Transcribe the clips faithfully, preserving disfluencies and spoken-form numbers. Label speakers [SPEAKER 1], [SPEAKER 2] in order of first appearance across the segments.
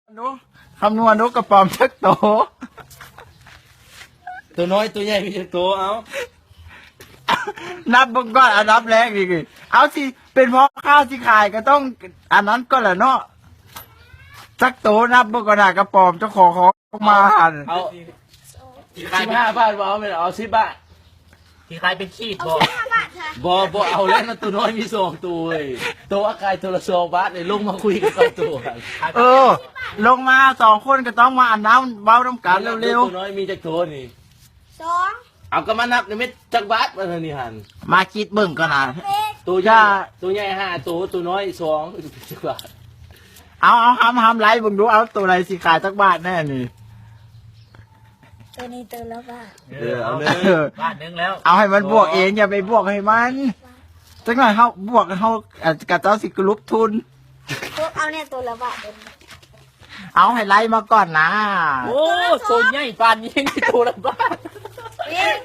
[SPEAKER 1] นุคำนวณนกกระป๋อมชักโต
[SPEAKER 2] ตัวน้อยตัวใหญ่มีตัวเอา
[SPEAKER 1] นับเบิ่งก่อนอันนับแรกดิเอาสิเป็นเพราะข้าวที่ขายก็ต้องอันนั้นก็แหละเนาะชักโตนับเบิ่งก่อนนะกระป๋อมเจ้าของของมาหัน
[SPEAKER 2] เอาสิบห้าบาทบ่เอาไม่เอาสิบบาท
[SPEAKER 3] ที่ใครเป็นขี้บอ
[SPEAKER 4] ห้าบาทค่ะ
[SPEAKER 2] บ่บ่เอาแล้วนะตัวน้อยมีสองตัวเว้ยตัวอากายตัวละสองบาทเลยลงมาคุยกันกับตัวกัน
[SPEAKER 1] เออ ลงมาสองคนก็ต้องมาอันน้ำเบ้าน้ำกันเร็ว
[SPEAKER 2] ตัวน้อยมีจักตัวนี่
[SPEAKER 4] สอง
[SPEAKER 2] เอาก็มานับในเม็ดจักบาทมาเท่านี้หัน
[SPEAKER 1] ๆมาคิดเบิ่งก่อนนะ
[SPEAKER 4] เป็ด
[SPEAKER 2] ตัวใหญ่ตัวใหญ่ห้าตัวตัวน้อยสองจักบาท
[SPEAKER 1] เอาเอาห้ำห้ำไล่เบิ่งดูเอาตัวไหนสิขายจักบาทแน่นี่
[SPEAKER 4] ตัวนี้ตัวละบาท
[SPEAKER 2] เออเอาเลย
[SPEAKER 1] เออ
[SPEAKER 3] บ้านนึงแล้ว
[SPEAKER 1] เอาให้มันบวกเองอย่าไปบวกให้มันจังหน่อยเขาบวกเขาอาจจะกับเจ้าสิกรุปทุน
[SPEAKER 4] พวกเอาเนี่ยตัวละบาทตัวนี้
[SPEAKER 1] เอาให้ไล่มาก่อนนะ
[SPEAKER 3] โอ้โซนใหญ่ปานนี้ยังมีตัวละบ้าน
[SPEAKER 4] เป็ด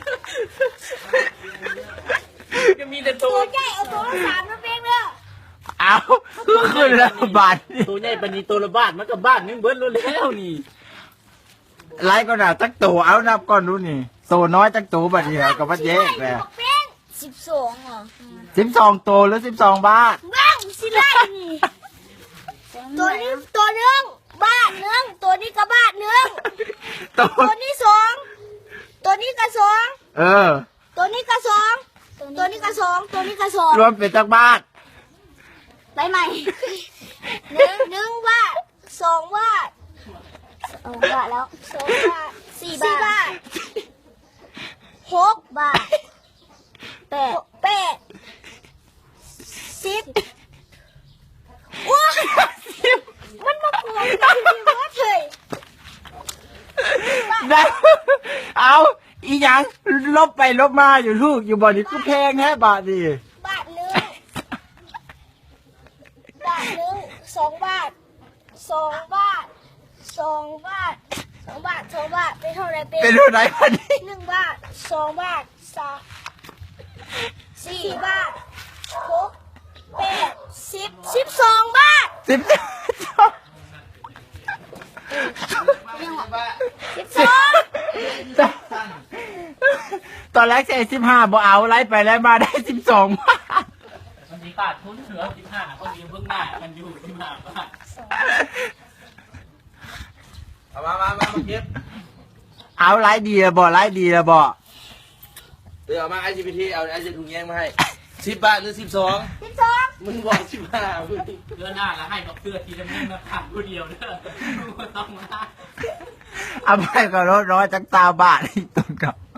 [SPEAKER 3] ก็มีแต่ตั
[SPEAKER 4] ตัว วใหญ่เอาตัวละสามนะเป็ดเด้อ
[SPEAKER 1] เอาคือขึ้นแล้วบาทนี่
[SPEAKER 3] ตัวใหญ่ปานนี้ตัวละบ้านมันก็บ้านนึงเบิ้ลแล้วนี่
[SPEAKER 1] ไล่ก็น่ะจักตัวเอานับก่อนดูนี่โซน้อยจักตัวบัดนี้กับบัดแยกเลย
[SPEAKER 4] บอกเป็ดสิบสองเหรอ
[SPEAKER 1] สิบสองตัวหรือสิบสองบาท
[SPEAKER 4] บ้างสิไล่นี่ตัวนี้ตัวหนึ่งบาทหนึ่งตัวนี้ก็บาทหนึ่ง
[SPEAKER 1] ตัว
[SPEAKER 4] ตัวนี้สองตัวนี้ก็สอง
[SPEAKER 1] เออ
[SPEAKER 4] ตัวนี้ก็สองตัวนี้ก็สองตัวนี้ก็สอง
[SPEAKER 1] รวมเป็นจักบาท
[SPEAKER 4] ไปใหม่หนึ่งหนึ่งบาทสองบาทสองบาทแล้วสองบาทสี่บาทหกบาทแปดแปดสิบว้ามันมากวนกันที่วัดเลย
[SPEAKER 1] ได้เอาอีหยังลบไปลบมาอยู่ลูกอยู่บ่อนี้ก็แพงแท้บาทดิ
[SPEAKER 4] บาทหนึ่งบาทหนึ่งสองบาทสองบาทสองบาทสองบาทสองบาทเป็นเท่าไหรเป็น
[SPEAKER 1] เป็นเท่าไหร่พันนี้
[SPEAKER 4] หนึ่งบาทสองบาทสามสี่บาทหกแปดสิบสิบสองบาท
[SPEAKER 1] สิบ
[SPEAKER 4] สิบสอง
[SPEAKER 1] ตอนแรกใช้สิบห้าบ่เอาไล่ไปไล่มาได้สิบสองบาท
[SPEAKER 3] มันมีขาดทุนเหลือสิบห้าคนยืมเพิ่งได้มันอยู่สิบห้าบาท
[SPEAKER 2] เอามามามามาเก็บ
[SPEAKER 1] เอาไล่ดีละบ่ไล่ดีละบ่
[SPEAKER 2] เดี๋ยวเอามาไอจีพีทีเอาไอจีถุงแยงมาให้สิบบาทหรือสิบสอง
[SPEAKER 4] สิบสอง
[SPEAKER 2] มึงบอกสิบห้ามึง
[SPEAKER 3] เดือนหน้าแล้วให้ดอกเสื้อทีละนึงนะขาดผู้เดียวเด้อต้องมา
[SPEAKER 1] เอาไปก็ร้อยร้อยจักตาบาทอีกต้นกับ